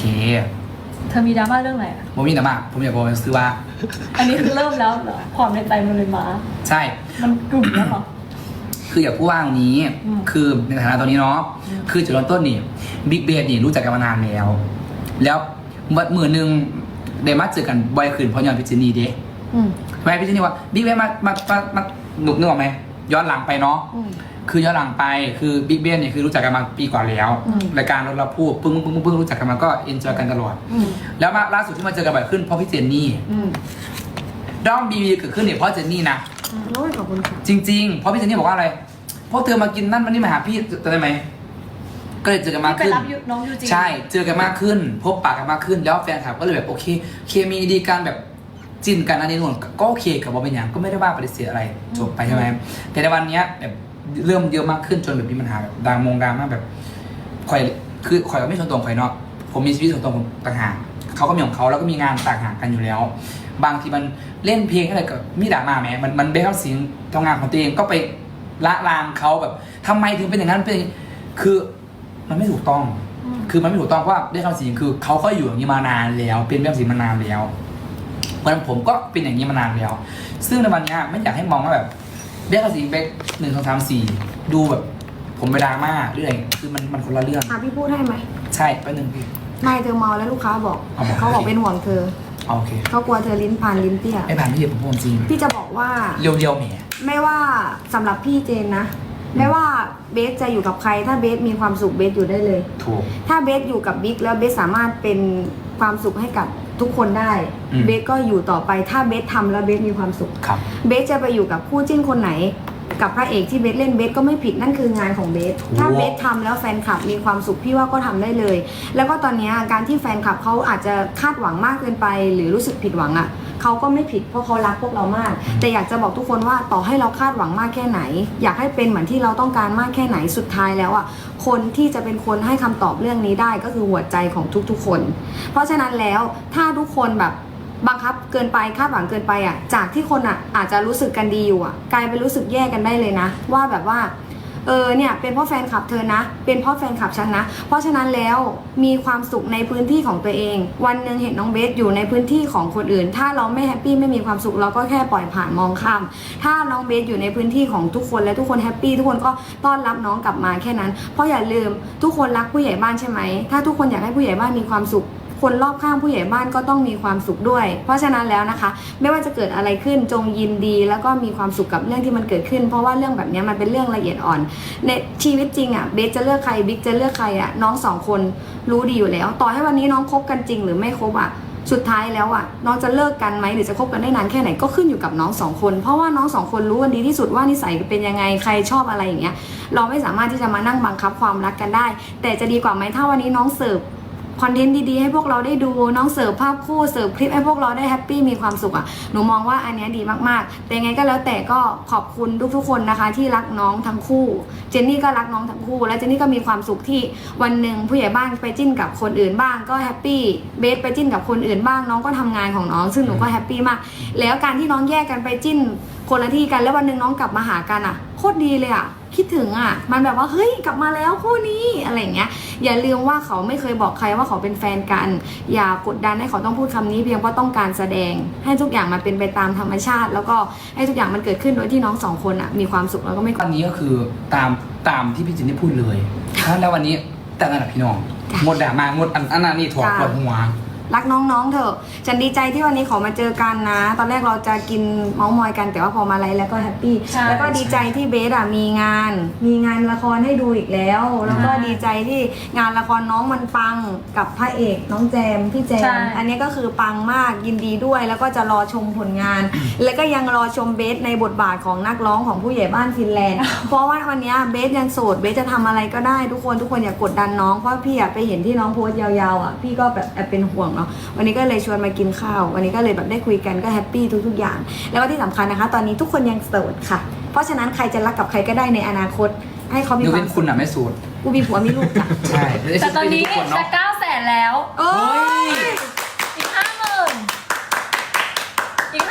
เธอมีดราม่าเรื่องอะไรอะผมมีแต่มากผมอยากบอกซื้อว่าอันนี้คือเริ่มแล้วเหรอความในใจมันเลยมาใช่มันกลุ่มแล้วเหรอคืออยากพูดว่าตรงนี้อืมคือในฐานะตอนนี้เนาะอืมคือจุดเริ่มต้นนี่บิ๊กเบสนี่รู้จักกันมานานแล้ว แล้วมือหนึ่งเดมาเจอกันบ่อยขึ้นเพราะย้อนพิจินีเด้อืมทำไมพิจินีว่าบิ๊กเบสมาหนุกนึกออกไหมย้อนหลังไปเนาะอืมคือย้อนหลังไปคือบิ๊กเบสเนี่ยคือรู้จักกันมาปีก่อนแล้วอืมรายการเราพูดปึ้งรู้จักกันมาก็เอนจอยกันตลอดอืมแล้วมาล่าสุดที่มาเจอกันบ่อยขึ้นเพราะพี่เจนนี่อืมด้อมบีบีเกิดขึ้นเนี่ยเพราะเจนนี่นะโอ้ยขอบคุณค่ะจริงๆ เพราะพี่เจนนี่บอกว่าอะไรพวกเธอมากินนั่นมันนี่มาหาพี่จะได้ไหมก็เลยเจอกันมากที่ไปขึ้นรับน้องยูจีใช่เจอกันมากขึ้น พบปากกันมากขึ้นแล้วแฟนคลับก็เลยแบบโอเคเคมีดีกันแบบจินกันอันนี้นู่นก็โอเคกับว่าเป็นอย่างก็ไม่ได้ว่าปฏิเสธอะไรจบไปใช่ไหมแต่ในวันเนี้ยแบบเริ่มเยอะมากขึ้นจนแบบมีปัญหาแบบดราม่าแบบข่อยคือข่อยก็ไม่ส่วนตัวของข่อยเนาะผมมีชีวิตส่วนตัวผมต่างหากเขาก็มีของเขาแล้วก็มีงานต่างหากกันอยู่แล้ว บางทีมันเล่นเพลงอะไรก็มีดราม่าแหมมันเบลเสียงทำงานของตัวเองก็ไปละลานเขาแบบทำไมถึงเป็นอย่างนั้นเป็นอย่างนี้คือมันไม่ถูกต้อง คือมันไม่ถูกต้องเพราะว่าได้คำสิงคือเขาก็อยู่อย่างนี้มานานแล้ว เป็นแบบสิงมานานแล้วเพราะฉะนั้นผมก็เป็นอย่างนี้มานานแล้ว ซึ่งในวันนี้ไม่อยากให้มองว่าแบบได้คำสิงไป1 2 3 4ดูแบบผมไปดราม่าหรืออะไรคือมันคนละเรื่องพี่พูดให้ไหมใช่แป๊บนึงพี่ไม่เธอเมาแล้วลูกค้าบอก เขาบอกเป็นห่วงเธอเอาโอเคเขากลัวเธอลิ้นพันลิ้นเตี้ยไม่ผ่านพี่เดี๋ยวผมพูดจริงพี่จะบอกว่าเรียวๆแหมไม่ว่าสำหรับพี่เจนนะ ไม่ว่าเบสจะอยู่กับใคร ถ้าเบสมีความสุขเบสอยู่ได้เลยถูกถ้าเบสอยู่กับบิ๊กแล้วเบสสามารถเป็นความสุขให้กับทุกคนได้อืมเบสก็อยู่ต่อไปถ้าเบสทำแล้วเบสมีความสุขครับเบสจะไปอยู่กับคู่จิ้นคนไหน กับพระเอกที่เบสเล่นเบสก็ไม่ผิดนั่นคืองานของเบสถูกถ้าเบสทำแล้วแฟนคลับมีความสุขพี่ว่าก็ทำได้เลย แล้วก็ตอนนี้การที่แฟนคลับเขาอาจจะคาดหวังมากเกินไป หรือรู้สึกผิดหวังอ่ะเขาก็ไม่ผิดเพราะเขารักพวกเรามาก แต่อยากจะบอกทุกคนว่าต่อให้เราคาดหวังมากแค่ไหน อยากให้เป็นเหมือนที่เราต้องการมากแค่ไหนสุดท้ายแล้วอ่ะคนที่จะเป็นคนให้คำตอบเรื่องนี้ได้ก็คือหัวใจของทุกๆคน เพราะฉะนั้นแล้วถ้าทุกคนแบบบังคับเกินไปคาดหวังเกินไปอ่ะจากที่คนอ่ะอาจจะรู้สึกกันดีอยู่อ่ะกลายเป็นรู้สึกแย่กันได้เลยนะว่าแบบว่าเนี่ยเป็นเพราะแฟนคลับเธอนะเป็นเพราะแฟนคลับฉันนะเพราะฉะนั้นแล้วมีความสุขในพื้นที่ของตัวเองวันหนึ่งเห็นน้องเบสอยู่ในพื้นที่ของคนอื่น ถ้าเราไม่แฮปปี้ไม่มีความสุขเราก็แค่ปล่อยผ่านมองข้ามถ้าน้องเบสอยู่ในพื้นที่ของทุกคนและทุกคนแฮปปี้ทุกคนก็ต้อนรับน้องกลับมาแค่นั้นเพราะอย่าลืมทุกคนรักผู้ใหญ่บ้านใช่ไหมถ้าทุกคนอยากให้ผู้ใหญ่บ้านมีความสุขคนรอบข้างผู้ใหญ่บ้านก็ต้องมีความสุขด้วย เพราะฉะนั้นแล้วนะคะไม่ว่าจะเกิดอะไรขึ้นจงยินดีแล้วก็มีความสุขกับเรื่องที่มันเกิดขึ้น เพราะว่าเรื่องแบบนี้มันเป็นเรื่องละเอียดอ่อนในชีวิตจริงอ่ะเบสจะเลือกใครบิ๊กจะเลือกใครอ่ะน้องสองคนรู้ดีอยู่แล้ว ต่อให้วันนี้น้องคบกันจริงหรือไม่คบอ่ะสุดท้ายแล้วอ่ะน้องจะเลิกกันไหมหรือจะคบกันได้นานแค่ไหนก็ขึ้นอยู่กับน้องสองคนเพราะว่าน้องสองคนรู้กันดีที่สุดว่านิสัยเป็นยังไงใครชอบอะไรอย่างเงี้ยเราไม่สามารถที่จะมานั่งบังคับความรักกันได้ แต่จะดีกว่าไหมถ้าวันนี้น้องเสิร์ฟคอนเทนต์ดีๆให้พวกเราได้ดูน้องเสิร์ฟภาพคู่เสิร์ฟคลิปให้พวกเราได้แฮปปี้มีความสุขอ่ะหนูมองว่าอันนี้ดีมากๆแต่ยังไงก็แล้วแต่ก็ขอบคุณทุกๆคนนะคะที่รักน้องทั้งคู่เจนนี่ก็รักน้องทั้งคู่และเจนนี่ก็มีความสุขที่วันหนึ่งผู้ใหญ่บ้านไปจิ้นกับคนอื่นบ้างก็แฮปปี้เบสไปจิ้นกับคนอื่นบ้างน้องก็ทำงานของน้องซึ่งหนูก็แฮปปี้มากแล้วการที่น้องแยกกันไปจิ้นคนละที่กันแล้ววันหนึ่งน้องกลับมาหากันอ่ะโคตรดีเลยอ่ะคิดถึงอ่ะมันแบบว่าเฮ้ยกลับมาแล้วคู่นี้อะไรอย่างเงี้ยอย่าลืมว่าเขาไม่เคยบอกใครว่าเขาเป็นแฟนกันอย่ากดดันให้เขาต้องพูดคำนี้เพียงเพราะต้องการแสดงให้ทุกอย่างมันเป็นไปตามธรรมชาติ แล้วก็ให้ทุกอย่างมันเกิดขึ้นโดยที่น้องสองคนอ่ะมีความสุขแล้วก็ไม่วันนี้ก็คือตามที่พี่จินได้พูดเลยแล้ววันนี้แต่งงานกับพี่น้องงดดราม่างดอันนั้นนี่ถั่วปวดหัวรักน้องๆเถอะฉันดีใจที่วันนี้เขามาเจอกันนะตอนแรกเราจะกินเมาส์มอยกันแต่ว่าพอมาไลฟ์แล้วก็แฮปปี้ใช่แล้วก็ดีใจที่เบสอ่ะมีงานละครให้ดูอีกแล้ว แล้วก็ดีใจที่งานละครน้องมันปังกับพระเอกน้องแจมพี่แจใช่มอันนี้ก็คือปังมากยินดีด้วย แล้วก็จะรอชมผลงาน แล้วก็ยังรอชมเบสในบทบาทของนักร้องของผู้ใหญ่บ้านฟินแลนด์ เพราะว่าวันนี้เบสยังโสดเบสจะทำอะไรก็ได้ทุกคนอย่ากดดันน้องเพราะพี่อะไปเห็นที่น้องโพสต์ยาวๆอ่ะพี่ก็แบบแอบเป็นห่วงเนาะวันนี้ก็เลยชวนมากินข้าววันนี้ก็เลยแบบได้คุยกันก็แฮปปี้ทุกๆอย่าง แล้วก็ที่สำคัญนะคะ ตอนนี้ทุกคนยังโสดค่ะ เพราะฉะนั้นใครจะรักกับใครก็ได้ในอนาคต ให้เขามียกควาเว้มนสุคุขณอ่ะไม่สูตรกูมีผัวมีลูกจ้ะใช่แต่ตอนนี้ทุกคนจะเนาะ 900,000แล้วโอ้ยอีก 50,000อีก 50,000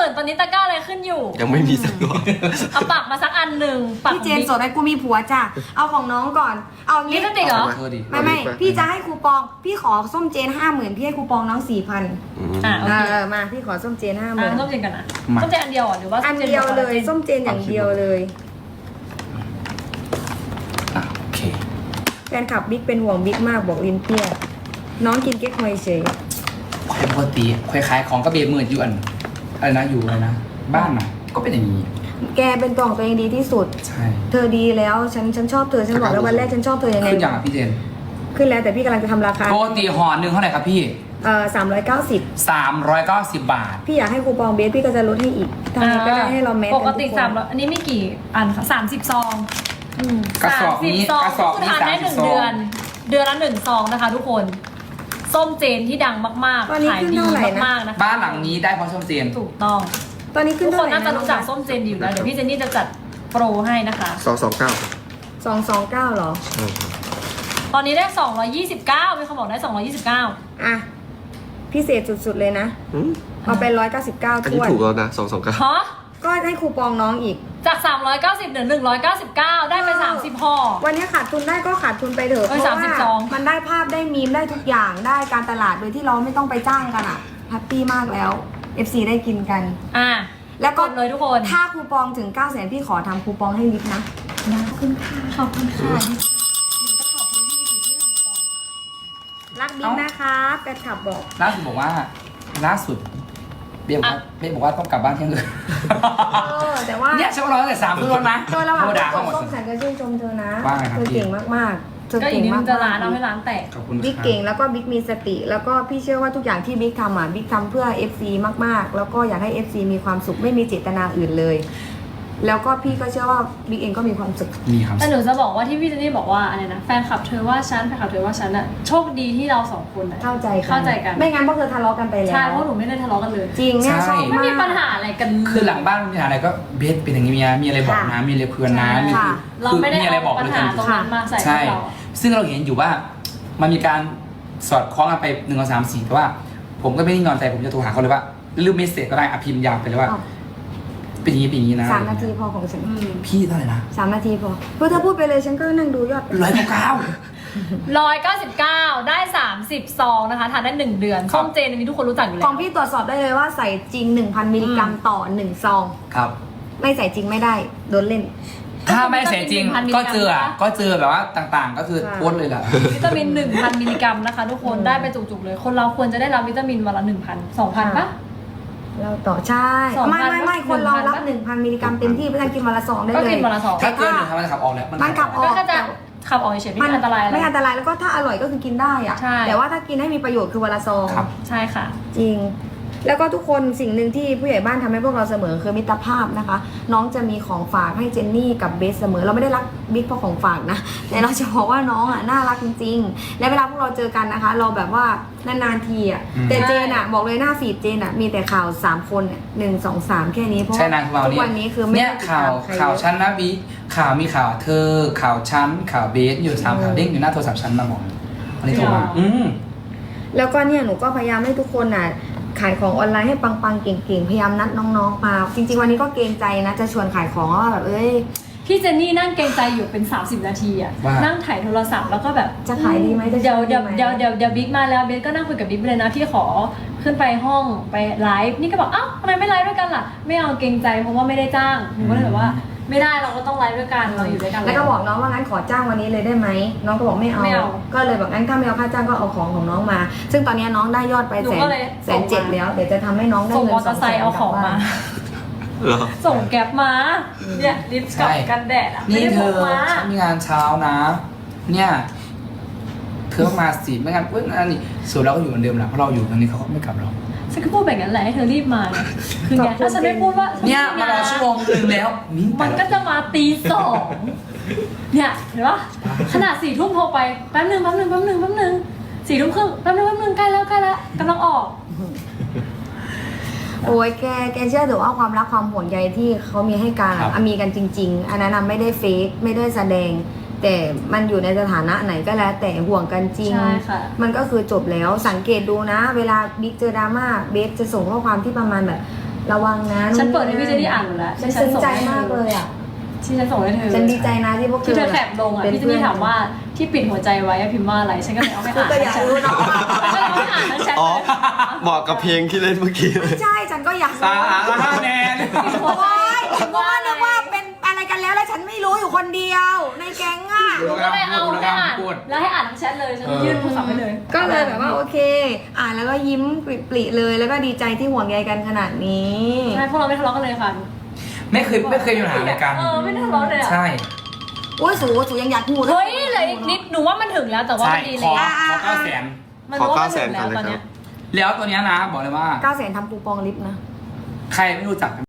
ตอนนี้ตะกร้าอะไรขึ้นอยู่ยังไม่มีสักตัวเอาปักมาสักอันหนึ่งปักพี่เจนสดให้กูมีผัวจ้ะเอาของน้องก่อนเอาลิงี้ปสติกเหรอเธอดิไม่พี่จะให้คูปองพี่ขอส้มเจน 50,000พี่ให้คูปองน้อง 4,000 อ่ะโอเคมาพี่ขอส้มเจนอ่ะ 50,000 ส้มเจนกันนะส้มเจนอันเดียวเหรอหรือว่าอันเดียวเลยส้มเจนอย่างเดียวเลยอ่ะโอเคแฟนคลับบิ๊กเป็นห่วงบิ๊กมากบอกลินเตี้ยน้องกินเก๊กฮวยเฉยควายปกติควายขายของก็เบมืดอยู่อันอะไรนะอยู่อะไรนะบ้านน่ะก็เป็นอย่างนี้แกเป็นตัวของตัวเองดีที่สุดใช่เธอดีแล้วฉันชอบเธอฉันบอกแล้ววันแรกฉันชอบเธอยังไงขึ้นอย่างอ่ะพี่เจนขึ้นแล้วแต่พี่กำลังจะทำราคาปกติห่อหนึ่งเท่าไหร่ครับพี่ 390 390 บาทพี่อยากให้คูปองเบสพี่ก็จะลดให้อีกทำไงก็ได้ให้เราแมทปกตินทุคน 300อันนี้มีกี่อันคะ30 ซองอืมกระสอบนี้ 30ซองกระสอบคือนี้ทานได้ 30 1 เดือน เดือนละ1 ซองนะคะทุกคน ส้มเจนที่ดังมากตอนนี้ๆขายขึ้นดีเท่าไหร่นะมากๆนะคะบ้านหลังนี้ได้เพราะส้มเจนถูกต้องตอนนี้ขึ้ทุนกคเท่าน ไหร่น่าจะรู้จักส้มเจนอยู่แล้วเดี๋ยวพี่เจนนี่จะจัดโปรให้นะคะ 229 229เหรอใช่ครับตอนนี้ได้229มีคนบอกได้229 อ่ะพิเศษสุดๆเลยนะอืมเอาไป199 อันถ้นี้วนถูกแล้วนะ229 ฮะก็ให้คูปองน้องอีกจาก390เหลือ199ได้ไป30ห่อวันนี้ขาดทุนได้ก็ขาดทุนไปเถอะเอ้เพยราะว่า 30ซองมันได้ภาพได้มีมได้ทุกอย่างได้การตลาดโดยที่เราไม่ต้องไปจ้างกันอ่ะแฮปปี้มากแล้ว FC ได้กินกันอ่ะแล้วก็กดเลยทุกคนถ้าคูปองถึง 900,000พี่ขอทำคูปองให้ลิฟต์นะขอบคุณค่ะขอบคุณค่ะหนูจะขอบคุณพี่ที่ทำก่อนรักบิ๊กนะคะแฟนคลับบอกล่าสุดบอกว่าล่าสุดเบลบอกว่าต้องกลับบ้านเที่ยงคืนแต่ว่าเนี่ยฉันก็รอตั้งแต่3 ทุ่มแล้วนะโดยระหว่างโทรด่าที่เขาหมดส้มฉันก็ชื่นชมเธอนะว่าไงครับเธอพี่เก่งมากๆเธอก็อีเก่กงนิดมานึกงจะร้านเอาให้ร้านแตกขอบคุณบิ๊กครับเก่งแล้วก็บิ๊กมีสติ แล้วก็พี่เชื่อว่าทุกอย่างที่บิ๊กทำอ่ะบิ๊กทำเพื่อ FC มากๆ แล้วก็อยากให้ FC มีความสุขไม่มีเจตนาอื่นเลย แล้วก็พี่ก็เชื่อว่าบิ๊กเองก็มีความสุขมีครับแต่หนูจะบอกว่าที่พี่เจนนี่บอกว่าอะไรนะแฟนคลับเธอว่าฉันแฟนคลับเธอว่าฉันอะโชคดีที่เราสองคนอะเข้าใจกันเข้าใจกันไม่งั้นพวกเธอทะเลาะกันไปแล้วใช่เพราะหนูไม่ได้ทะเลาะกันเลยจริงเนี่ยชอบไม่มากมีปัญหาอะไรกันคือหลังบ้านมีอะไรก็เบสเป็นอย่างนี้มีอะไรบอกนะมีอะไรคุยกันนะใช่มีค่ะเราไม่ได้มีอะไรบอกปัญเลยหากันตรงนั้นมาใส่พวใช่กเราอะซึ่งเราเห็นอยู่ว่ามันมีการสอดคล้องกันไป1 2 3 4แต่ว่า ผมก็ไม่ได้นอนใจผมจะโทรหาเขาเลยว่าลืมเมสเซจก็ได้พิมพ์ยาวไปเลยว่าอ้าวเป็นอย่างนี้เป็นอย่างนี้นะ 3 นาทีพอของฉันอืมพี่เท่าไหร่นะ 3 นาทีพอเพื่อเธอพูดไปเลยฉันก็นั่งดูยอด 199 ได้30ซองนะคะทานได้1 เดือนครับส้มเจนอันนี้ทุกคนรู้จักอยู่แล้ขวองพี่ตรวจสอบได้เลยว่าใส่จริง 1,000 มิลลิกรัมต่อ1ซองครับไม่ใส่จริงไม่ได้โดนเล่นถ้าไม่เสียจริงก็เจอก็เจอแบบว่าต่างๆ ก็คือค่ะโพสต์เลยแหละวิตามิน 1,000 มิลลิกรัมนะคะ ทุกคนได้ไปจุกๆเลย คนเราควรจะได้รับวิตามินวันละ 1,000 2,000ปะเราต่อใช่ 2,000 ไม่คนเรารับ 1,000 1,000 มิลลิกรัมเต็มที่เพื่อนกินวันละซองได้ก็เลยกินวันละ2 ถ้าเกินหนึ่งทำไมขับออกแล้วมันขับออกก็แค่จะขับออกเฉยๆไม่มีอันตรายอะไรไม่อันตรายแล้วก็ถ้าอร่อยก็คือกินได้อะใช่แต่ว่าถ้ากินให้มีประโยชน์คือวันละซองครับใช่ค่ะจริง แล้วก็ทุกคนสิ่งหนึ่งที่ผู้ใหญ่บ้านทำให้พวกเราเสมอคือมิตรภาพนะคะ น้องจะมีของฝากให้เจนนี่กับเบสเสมอ เราไม่ได้รักบิ๊กเพราะของฝากนะ แต่เราจะบอกว่าน้องอ่ะน่ารักจริงๆ และเวลาพวกเราเจอกันนะคะ เราแบบว่านานๆทีอ่ะอืมแต่เจนอ่ะบอกเลยหน้าฟีดเจนอ่ะมีแต่ข่าว3 คนเนี่ย1 2 3 แค่นี้เพราะใช่นางของเราทุกวันนี้คือไม่เนี่ยได้ติดข่าตาว มใครข่าวเยอะชั้นนะบีข่าวมีข่าวเธอข่าวชั้นข่าวเบสอยู่3ข่าวเด้งอยู่หน้าโทรศัพท์ชั้นมาบอกอันนี้โทรมาแล้วก็เนี่ยหนูก็พยายามให้ทุกคนน่ะขายของออนไลน์ให้ปังๆเก่งๆพยายามนัดน้องๆมาจริงๆวันนี้ก็เกรงใจนะจะชวนขายของว่าแบบพี่เจนนี่นั่งเกรงใจอยู่เป็น30 นาทีอะว่านั่งถ่ายโทรศัพท์แล้วก็แบบจะขายดีไหมจะเดี๋ยวขายดีเดี๋ยวไหมเดี๋ยวเดี๋ยวบิ๊กมาแล้วเบสก็นั่งคุยกับบิ๊กเลยนะพี่ขอขึ้นไปห้องไปไลฟ์นี่ก็บอกอ้าวทำไมไม่ไลฟ์ด้วยกันล่ะไม่เอาเกรงใจเพราะว่าไม่ได้จ้างหนูก็เลยแบบว่าไม่ได้เราก็ต้องไลฟ์ด้วยกันเราอยู่ด้วยกันแล้วก็บอกน้องว่างั้นขอจ้างวันนี้เลยได้ไหมน้องก็บอกไม่เอาไม่เอาก็เลยบอกงั้นถ้าไม่เอาค่าจ้างก็เอาของน้องมา ซึ่งตอนนี้น้องได้ยอดไปหนูก็เลยแสนเจ็ดแล้วเดี๋ยวจะทำให้น้องได้ส่งเงินมอเตอร์ไซค์เอาของมาเหรอส่งแก๊ปมาเนี่ยลิปกับกันแดดอะไม่นี่ได้เธพอกมาฉันมีงานเช้านะ เนี่ยเธอต้องมาสิไม่งั้นเว้ยอันนี้ส่วนเราก็อยู่เหมือนเดิมแหละเพราะเราอยู่ตรงนี้เขาก็ไม่กลับเราฉันก็พูดแบบนั้นแหละให้เธอรีบมาไงคือไงถ้าฉันไม่พูดว่าเนี่ยมารอชั่วโมงนึงแล้วนี่มันก็จะมาตีสองเนี่ยเห็นปะขนาด4 ทุ่มโทรไปแป๊บนึง4 ทุ่มครึ่งแป๊บนึงใกล้แล้วกำลังออกโอ้ยแกเชื่อเถอะว่าความรักความห่วงใยที่เขามีให้กันอะมีกันจริง ๆ อันนั้นไม่ได้เฟกไม่ได้แสดง แต่มันอยู่ในสถานะไหนก็แล้วแต่ห่วงกันจริงใช่ค่ะมันก็คือจบแล้วสังเกตดูนะ เวลาบิ๊กเจอดราม่าเบสจะส่งข้อความที่ประมาณแบบระวังนะฉันเปิดให้พี่เจนี่อ่านหมดแล้วฉันซึ้งใจมากเลยอ่ะที่ฉันส่งให้เธอฉันดีใจนะที่พวกที่เธอแคปลงอ่ะพี่เจนี่ถามว่าที่ปิดหัวใจไว้พิมพ์ว่าอะไรฉันก็เลยเอาไปอ่านก็อยากรู้เนาะฉันก็เลยเอาไปอ่านทั้งแชทอ๋อเลยบอกกับเพลงที่เล่นเมื่อกี้เลยใช่ฉันก็อยากสาระแนนโอ้ยผมก็นึกว่าเป็นอะไรกันแล้วฉันไม่รู้อยู่คนเดียว ในแก๊งอ่ะหนูก็เลยเอาไปอ่านแล้วให้อ่านทั้งแชทเลยฉันยื่นโทรศัพท์ไปเลยก็เลยแบบว่าโอเค อ่านแล้วก็ยิ้มปริๆเลย แล้วก็ดีใจที่ห่วงใยกันขนาดนี้ใช่พวกเราไม่ทะเลาะกันเลยค่ะไม่เคยมีปัญหาอะไรกันไม่ได้ทะเลาะเลยอ่ะใช่โอ้ยสูยังอยากพูดเฮ้ยเหลยอีกนิดหนูว่ามันถึงแล้วแต่ว่าใช่มันดีขอเลย 900,000 มันรู้ว่ามันถึงแล้วตอนเนี้ยแล้วตัวเนี้ยนะบอกเลยว่า 900,000ทำปูปองลิฟต์นะใครไม่รู้จัก